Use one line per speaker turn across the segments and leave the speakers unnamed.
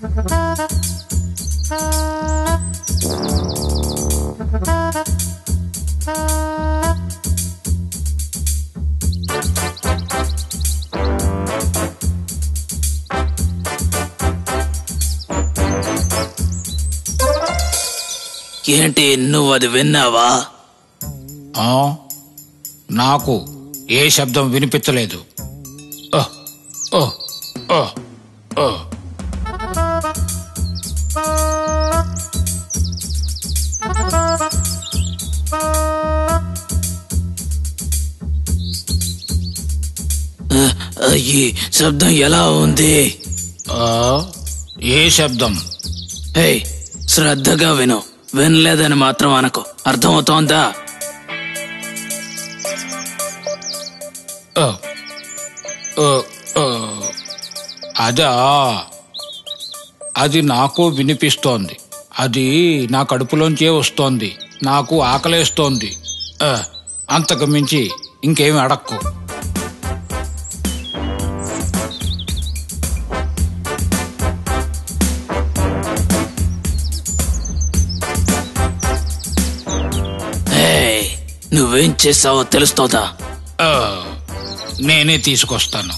ఏంటి, నువ్వు అది విన్నావా?
నాకు ఏ శబ్దం వినిపించలేదు.
ఈ శబ్దం ఎలా ఉంది?
ఏ శబ్దం?
హే, శ్రద్ధగా విను. వినలేదని మాత్రం అనకు, అర్థమవుతోందా?
అదా, అది నాకు వినిపిస్తోంది. అది నా కడుపులోంచే వస్తోంది. నాకు ఆకలేస్తోంది. అంతకు మించి ఇంకేమి అడక్కు.
నువ్వేం చేసావో తెలుస్తోందా?
నేనే తీసుకొస్తాను.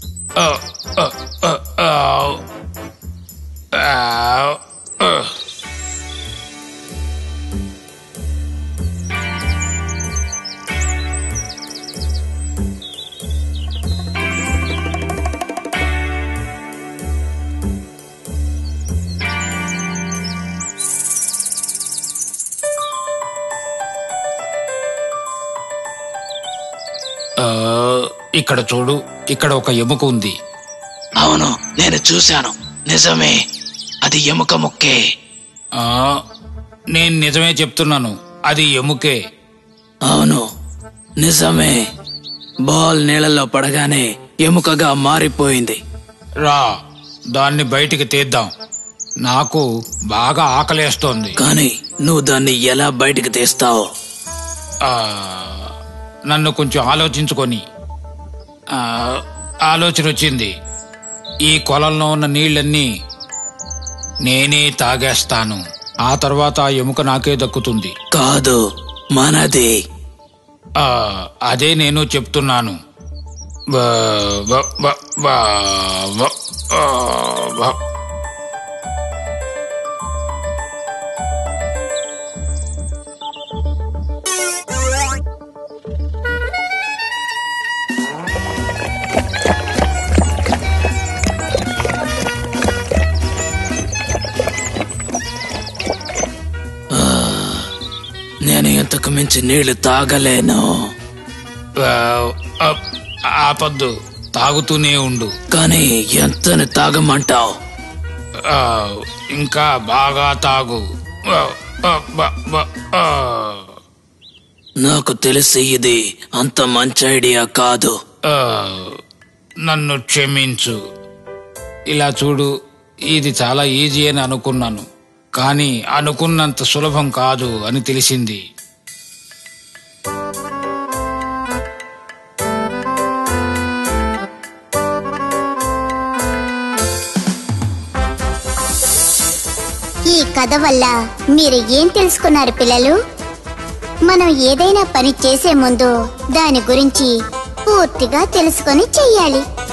ఇక్కడ చూడు, ఇక్కడ ఒక ఎముక ఉంది.
అవును, నేను చూశాను. నిజమే, అది ఎముక ముక్కే.
నేను నిజమే చెప్తున్నాను, అది ఎముకే.
అవును, నిజమే. బాల్ నీళ్ళలో పడగానే ఎముకగా మారిపోయింది.
రా, దాన్ని బయటికి తీద్దాం. నాకు బాగా ఆకలేస్తోంది.
కానీ నువ్వు దాన్ని ఎలా బయటికి తీస్తావు?
నన్ను కొంచెం ఆలోచించుకొని ఆలోచన వచ్చింది. ఈ కొలంలో ఉన్న నీళ్ళన్నీ నేనే తాగేస్తాను. ఆ తర్వాత ఆ ఎముక నాకే దక్కుతుంది.
కాదు, మనది.
అదే నేను చెప్తున్నాను.
నేను ఇంతకు మించి నీళ్లు తాగలేను.
ఆపద్దు, తాగుతూనే ఉండు.
కానీ ఎంతని తాగమంటావు?
ఇంకా బాగా తాగు.
నాకు తెలిసి ఇది అంత మంచి ఐడియా కాదు.
నన్ను క్షమించు. ఇలా చూడు, ఇది చాలా ఈజీ అని అనుకున్నాను, కానీ అనుకున్నంత సులభం కాదు అని తెలిసింది.
ఈ కథ వల్ల మీరు ఏం తెలుసుకున్నారు పిల్లలు? మనం ఏదైనా పని చేసే ముందు దాని గురించి పూర్తిగా తెలుసుకొని చెయ్యాలి.